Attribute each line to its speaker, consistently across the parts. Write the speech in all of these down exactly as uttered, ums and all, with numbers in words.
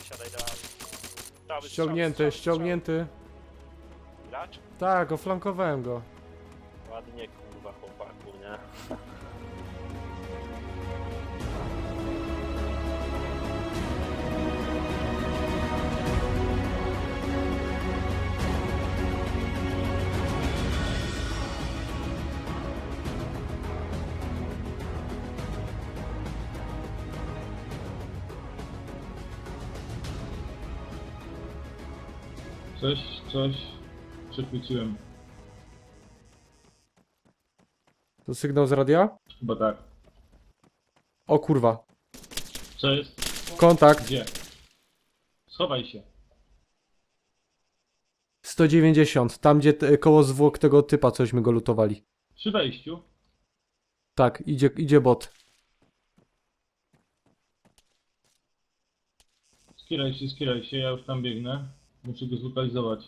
Speaker 1: siadaj do auta. Cały strzał,
Speaker 2: Ściągnięty,
Speaker 1: strzał, strzał.
Speaker 2: ściągnięty.
Speaker 1: Gracz?
Speaker 2: Tak, oflankowałem go.
Speaker 1: Ładnie kurwa chłopaku, nie?
Speaker 3: Coś, coś przechwyciłem.
Speaker 2: To sygnał z radia?
Speaker 3: Chyba tak.
Speaker 2: O kurwa.
Speaker 3: Co jest?
Speaker 2: Kontakt.
Speaker 3: Gdzie? Schowaj się.
Speaker 2: sto dziewięćdziesiąt. Tam gdzie t- koło zwłok tego typa cośmy go lutowali.
Speaker 3: Przy wejściu.
Speaker 2: Tak, idzie, idzie bot.
Speaker 3: Skieraj się, skieraj się, ja już tam biegnę. Muszę go zlokalizować.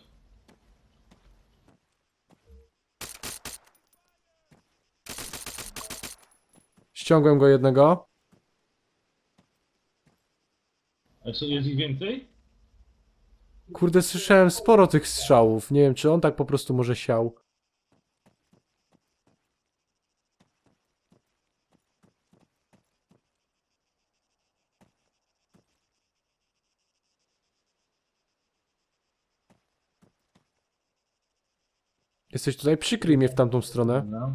Speaker 2: Ściągłem go jednego.
Speaker 3: A jest, jest ich więcej?
Speaker 2: Kurde, słyszałem sporo tych strzałów. Nie wiem, czy on tak po prostu może siał. Jesteś tutaj? Przykryj mnie w tamtą stronę.
Speaker 3: Dobra.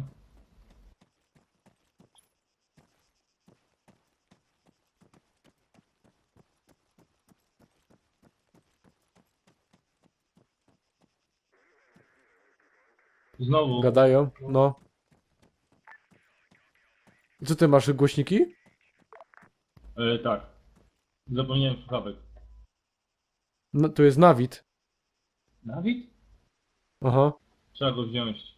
Speaker 3: Znowu.
Speaker 2: Gadają, no. Co ty masz, głośniki?
Speaker 3: E, tak. Zapomniałem słuchawek.
Speaker 2: No, tu jest Nawid.
Speaker 3: Dawid?
Speaker 2: Aha.
Speaker 3: Trzeba go wziąć.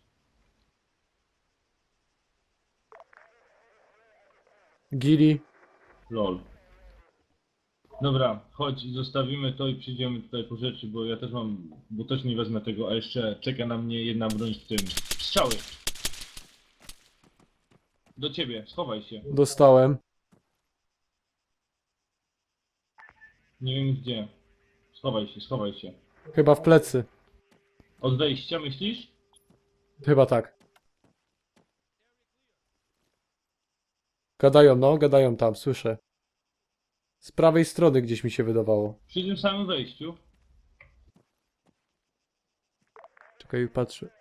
Speaker 2: Gili.
Speaker 3: Lol. Dobra, chodź, zostawimy to i przyjdziemy tutaj po rzeczy, bo ja też mam, bo też nie wezmę tego, a jeszcze czeka na mnie jedna broń w tym. Strzały! Do ciebie, schowaj się.
Speaker 2: Dostałem.
Speaker 3: Nie wiem gdzie. Schowaj się, schowaj się.
Speaker 2: Chyba w plecy.
Speaker 3: Od wejścia myślisz?
Speaker 2: Chyba tak. Gadają, no, gadają tam, słyszę. Z prawej strony gdzieś mi się wydawało.
Speaker 3: Przy tym samym wejściu.
Speaker 2: Czekaj, patrzę.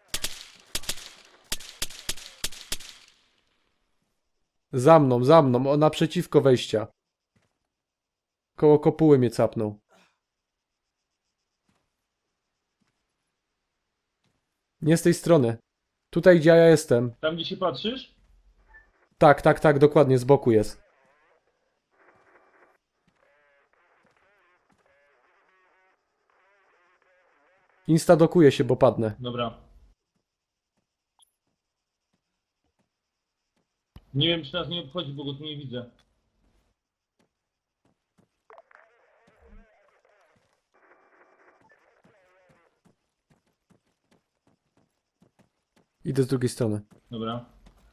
Speaker 2: Za mną, za mną, o, naprzeciwko wejścia. Koło kopuły mnie capnął. Nie z tej strony. Tutaj, gdzie ja jestem.
Speaker 3: Tam gdzie się patrzysz?
Speaker 2: Tak, tak, tak, dokładnie, z boku jest. Insta dokuje się, bo padnę.
Speaker 3: Dobra. Nie wiem czy nas nie obchodzi, bo go tu nie widzę.
Speaker 2: Idę z drugiej strony.
Speaker 3: Dobra.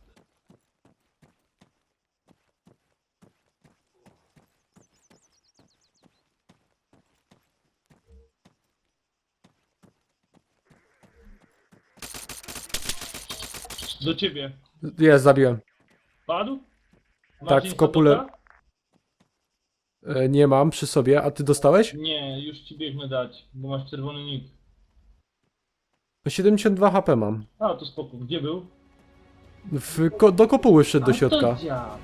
Speaker 3: Do ciebie.
Speaker 2: Jest, zabiłem.
Speaker 3: Padł? Masz
Speaker 2: Tak, w kopule.
Speaker 3: Instatoka?
Speaker 2: E, nie mam przy sobie, a ty dostałeś?
Speaker 3: Nie, już ci biegnę dać, bo masz czerwony nick.
Speaker 2: siedemdziesiąt dwa H P mam.
Speaker 3: A, to spoko. Gdzie był?
Speaker 2: W, ko, do kopuły wszedł do
Speaker 3: A, to
Speaker 2: środka.
Speaker 3: dziad.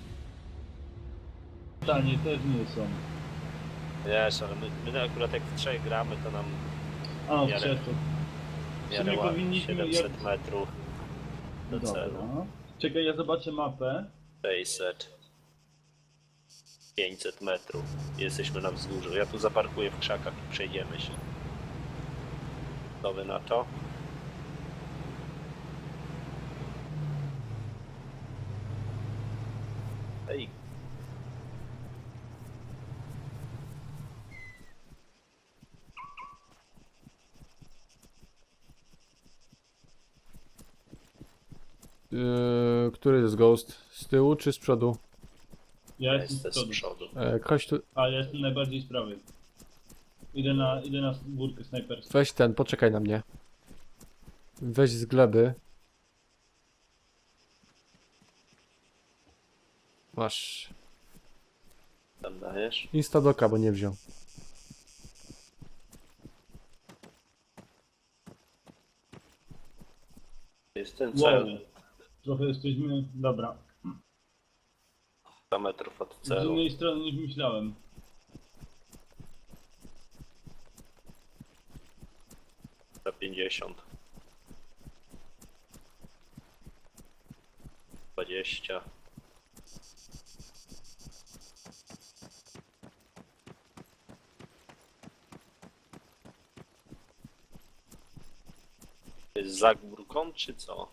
Speaker 3: Pytanie też nie są.
Speaker 1: Wiesz, ale my, my akurat jak w trzech gramy, to nam
Speaker 3: A, w
Speaker 1: Jarek.
Speaker 3: trzech to.
Speaker 1: w miarę
Speaker 3: sumie
Speaker 1: ładnie
Speaker 3: powinniśmy
Speaker 1: siedemset
Speaker 3: jak-
Speaker 1: metrów do celu.
Speaker 3: Dobra. Czekaj, ja zobaczę mapę.
Speaker 1: sześćset. pięćset metrów. Jesteśmy na wzgórzu. Ja tu zaparkuję w krzakach i przejdziemy się. Co wy na to? Ej.
Speaker 2: Yy, który jest Ghost? Z tyłu czy z przodu?
Speaker 3: Ja
Speaker 1: Ja
Speaker 3: jestem z
Speaker 1: jestem z
Speaker 3: przodu,
Speaker 1: przodu.
Speaker 2: E, chodź tu,
Speaker 3: a ja jestem najbardziej z prawej. Idę na, idę na górkę snajperską.
Speaker 2: weź ten, poczekaj na mnie. Weź z gleby. Masz.
Speaker 1: Tam dajesz.
Speaker 2: Instadoka, bo nie wziął.
Speaker 1: Jest ten
Speaker 3: Wow.
Speaker 1: cel.
Speaker 3: Trochę jesteśmy... Dobra.
Speaker 1: sto metrów od
Speaker 3: Z
Speaker 1: celu.
Speaker 3: innej strony niż myślałem.
Speaker 1: Za pięćdziesiąt. dwadzieścia. Jest za górką, czy co?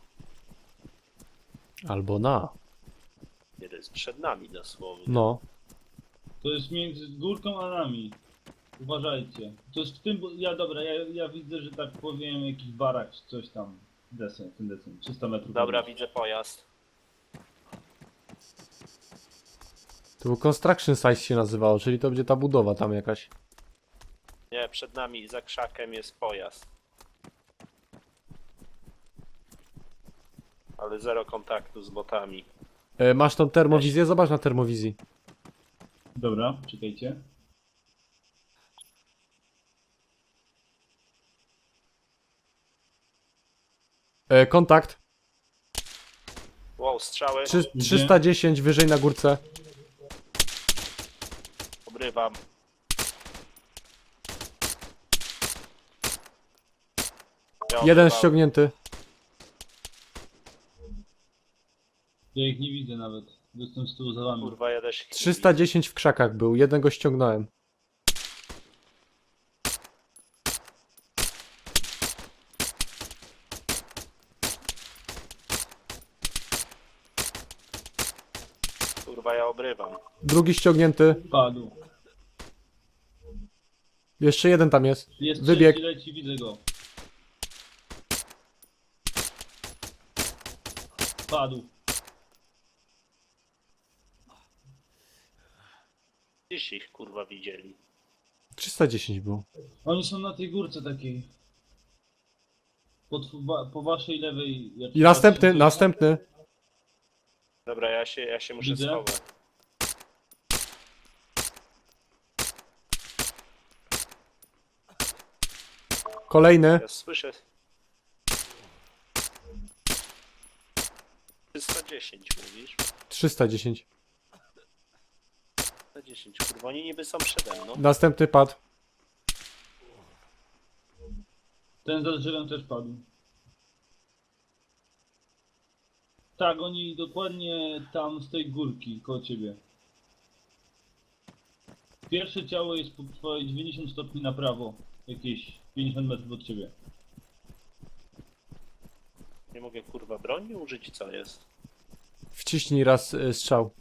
Speaker 2: Albo na.
Speaker 1: Nie, to jest przed nami dosłownie.
Speaker 2: No.
Speaker 3: To jest między górką a nami. Uważajcie. To jest w tym... bu- Ja dobra, ja, ja widzę, że tak powiem jakiś barak czy coś tam. Desen, ten desen. trzysta metrów.
Speaker 1: Dobra,
Speaker 3: od nas.
Speaker 1: widzę pojazd.
Speaker 2: To był Construction Site się nazywało, czyli to będzie ta budowa tam jakaś.
Speaker 1: Nie, przed nami za krzakiem jest pojazd. Ale zero kontaktu z botami.
Speaker 2: E, masz tą termowizję? Zobacz na termowizji.
Speaker 3: Dobra, czekajcie.
Speaker 2: E, kontakt.
Speaker 1: Wow, strzały.
Speaker 2: Trzy,
Speaker 3: Gdzie?
Speaker 2: trzysta dziesięć wyżej na górce.
Speaker 1: Obrywam. Ja
Speaker 2: Jeden
Speaker 1: obrywam.
Speaker 2: ściągnięty.
Speaker 3: Ja ich nie widzę nawet. Jestem z tyłu za wami.
Speaker 1: Kurwa, jadę się.
Speaker 2: trzysta dziesięć w krzakach był, jednego ściągnąłem.
Speaker 1: Kurwa, ja obrywam.
Speaker 2: Drugi ściągnięty.
Speaker 3: Padł.
Speaker 2: Jeszcze jeden tam jest.
Speaker 3: Jest
Speaker 2: Wybieg.
Speaker 3: trzeci, leci, widzę go. Padł.
Speaker 1: Gdzieś ich kurwa widzieli.
Speaker 2: trzysta dziesięć było.
Speaker 3: Oni są na tej górce takiej. Po, tw- wa- po waszej lewej. jak
Speaker 2: I następny,
Speaker 3: patrzę,
Speaker 2: następny.
Speaker 1: Dobra, ja się, ja się muszę
Speaker 3: Widzę.
Speaker 1: schować.
Speaker 2: Kolejny.
Speaker 1: Ja słyszę. trzysta dziesięć mówisz?
Speaker 2: trzysta dziesięć.
Speaker 1: trzysta dziesięć, kurwa, oni niby są przede mną.
Speaker 2: Następny padł.
Speaker 3: Ten za drzewem też padł. Tak, oni dokładnie tam z tej górki koło ciebie. Pierwsze ciało jest po twojej dziewięćdziesiąt stopni na prawo. Jakieś pięćdziesiąt metrów od ciebie.
Speaker 1: Nie mogę kurwa broni użyć, co jest?
Speaker 2: Wciśnij raz y, strzał.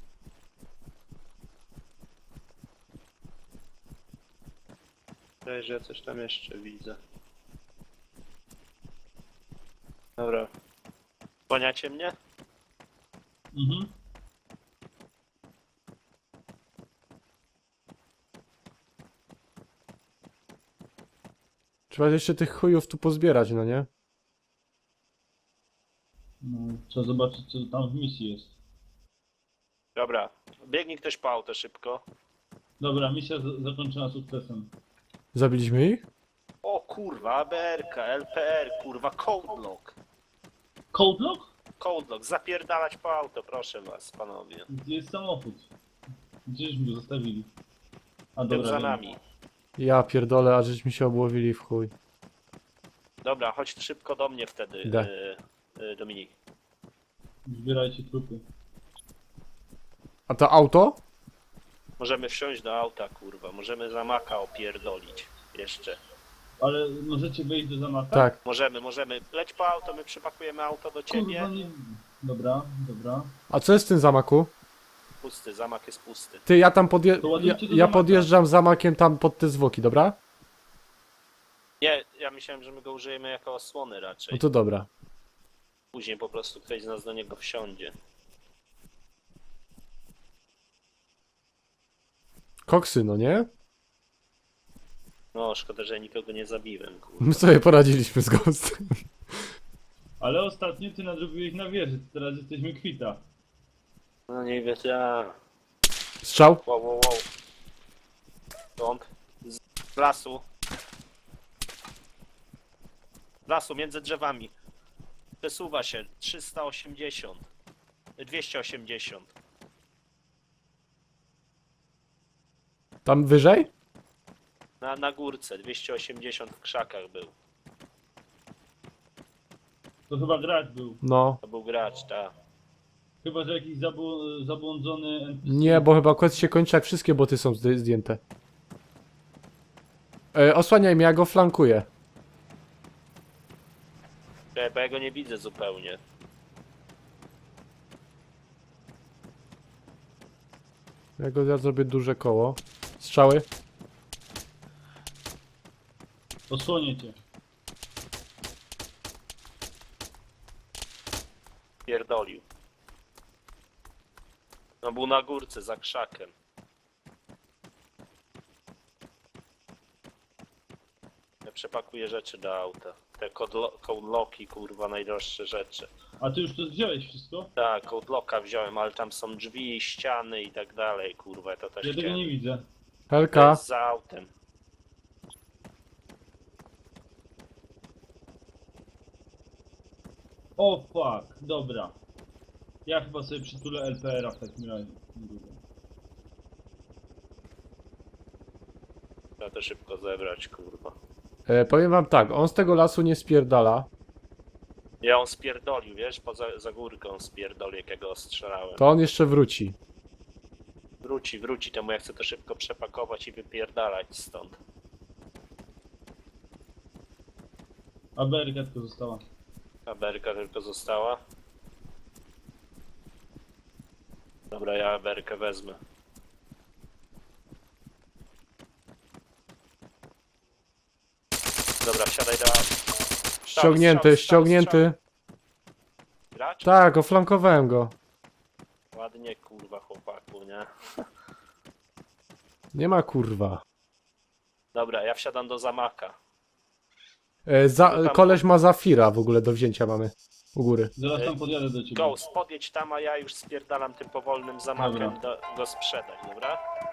Speaker 1: Wydaje, że ja coś tam jeszcze widzę. Dobra. Kłaniacie mnie?
Speaker 3: Mhm.
Speaker 2: Trzeba jeszcze tych chujów tu pozbierać, no nie?
Speaker 3: No, trzeba zobaczyć co tam w misji jest.
Speaker 1: Dobra. Biegnij ktoś po auto szybko.
Speaker 3: Dobra, misja z- zakończona sukcesem.
Speaker 2: Zabiliśmy ich?
Speaker 1: O kurwa, A B R K, L P R, kurwa, code lock.
Speaker 3: Code lock?
Speaker 1: Code lock, zapierdalać po auto, proszę was, panowie.
Speaker 3: Gdzie jest samochód? Gdzieśmy go zostawili? A
Speaker 1: Tym
Speaker 3: dobra,
Speaker 1: za
Speaker 3: wiem.
Speaker 1: nami.
Speaker 2: Ja pierdolę, a żeśmy się obłowili w chuj.
Speaker 1: Dobra, chodź szybko do mnie wtedy,
Speaker 2: Idę.
Speaker 1: y, y, Dominik.
Speaker 3: Zbierajcie trupy.
Speaker 2: A to auto?
Speaker 1: Możemy wsiąść do auta, kurwa, możemy zamaka opierdolić. Jeszcze.
Speaker 3: Ale możecie wejść do zamaka?
Speaker 2: Tak.
Speaker 1: Możemy, możemy. Leć po auto, my przypakujemy auto do ciebie.
Speaker 3: Kurwa nie... Dobra, dobra.
Speaker 2: A co jest w tym zamaku?
Speaker 1: Pusty, zamak jest pusty.
Speaker 2: Ty, ja tam podje...
Speaker 3: To
Speaker 2: ja,
Speaker 3: ładujcie do
Speaker 2: ja
Speaker 3: zamaka.
Speaker 2: podjeżdżam zamakiem tam pod te zwłoki, dobra?
Speaker 1: Nie, ja myślałem, że my go użyjemy jako osłony raczej.
Speaker 2: No to dobra.
Speaker 1: Później po prostu ktoś z nas do niego wsiądzie.
Speaker 2: Koksy, no nie?
Speaker 1: No, szkoda, że nikogo nie zabiłem, kurwa.
Speaker 2: My sobie poradziliśmy z Ghostem.
Speaker 3: Ale ostatnio ty nadrobiłeś na wieży, teraz jesteśmy kwita.
Speaker 1: No nie wiem, ja...
Speaker 2: Strzał?
Speaker 1: Wow, wow, wow. Stąd. Z lasu. Z lasu, między drzewami. Przesuwa się. trzysta osiemdziesiąt. dwieście osiemdziesiąt.
Speaker 2: Tam wyżej?
Speaker 1: Na, na górce. dwieście osiemdziesiąt w krzakach był.
Speaker 3: To chyba gracz był.
Speaker 2: No.
Speaker 1: To był gracz, tak.
Speaker 3: Chyba, że jakiś zabł- zabłądzony N P C.
Speaker 2: Nie, bo chyba quest się kończy, jak wszystkie boty są zdy- zdjęte. E, osłaniaj mnie, ja go flankuję.
Speaker 1: Czekaj, bo ja go nie widzę zupełnie.
Speaker 2: Ja go ja zrobię duże koło. Strzały?
Speaker 3: Osłonię cię.
Speaker 1: Pierdolił. No był na górce, za krzakiem. Ja przepakuję rzeczy do auta. Te code locki, kurwa, najdroższe rzeczy.
Speaker 3: A ty już to wziąłeś wszystko?
Speaker 1: Tak, code locka wziąłem, ale tam są drzwi, ściany i tak dalej, kurwa, to też
Speaker 3: Ja tego
Speaker 1: chciałem.
Speaker 3: nie widzę.
Speaker 1: To
Speaker 2: Helka.
Speaker 1: jest za autem.
Speaker 3: O fuck, dobra. Ja chyba sobie przytulę L P R a w takim razie.
Speaker 1: Trzeba to szybko zebrać, kurwa.
Speaker 2: E, powiem wam tak, on z tego lasu nie spierdala.
Speaker 1: Ja on spierdolił, wiesz, poza za górkę on spierdolił, jak ja go ostrzelałem.
Speaker 2: To on jeszcze wróci.
Speaker 1: Wróci, wróci, temu ja chcę to szybko przepakować i wypierdalać stąd.
Speaker 3: A B R tylko została.
Speaker 1: A berka tylko została. Dobra, ja berkę wezmę. Dobra, wsiadaj do...
Speaker 2: Ściągnięty,
Speaker 1: strzał,
Speaker 2: ściągnięty.
Speaker 1: Gracz?
Speaker 2: Tak, oflankowałem go.
Speaker 1: Ładnie, kurwa, chłopaku, nie?
Speaker 2: Nie ma kurwa.
Speaker 1: Dobra, ja wsiadam do zamaka.
Speaker 2: E, za, koleś ma Zafira w ogóle do wzięcia mamy. U góry.
Speaker 3: Zaraz tam podjadę do ciebie.
Speaker 1: Ghost, podjedź tam, a ja już spierdalam tym powolnym zamakiem
Speaker 3: Dobra.
Speaker 1: do, go sprzedać, dobra?